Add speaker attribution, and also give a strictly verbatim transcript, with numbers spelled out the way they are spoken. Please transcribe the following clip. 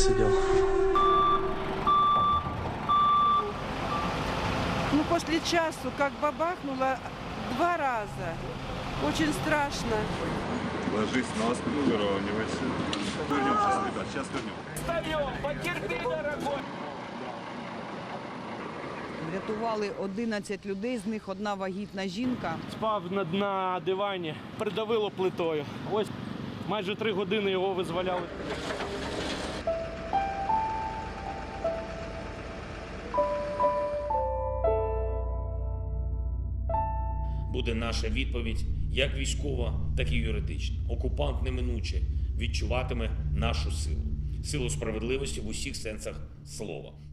Speaker 1: сидел.
Speaker 2: Ну, после часу, как бабахнуло два раза. Очень страшно.
Speaker 3: Ложись на спину, выравнивайся. Вернем сейчас, ребят, сейчас вернем.
Speaker 4: Встаем, потерпи, дорогой.
Speaker 5: Врятували одинадцять людей, з них одна вагітна жінка.
Speaker 4: Спав на, на дивані, придавило плитою. Ось майже три години його визволяли.
Speaker 6: Буде наша відповідь як військова, так і юридична. Окупант неминуче відчуватиме нашу силу. Силу справедливості в усіх сенсах слова.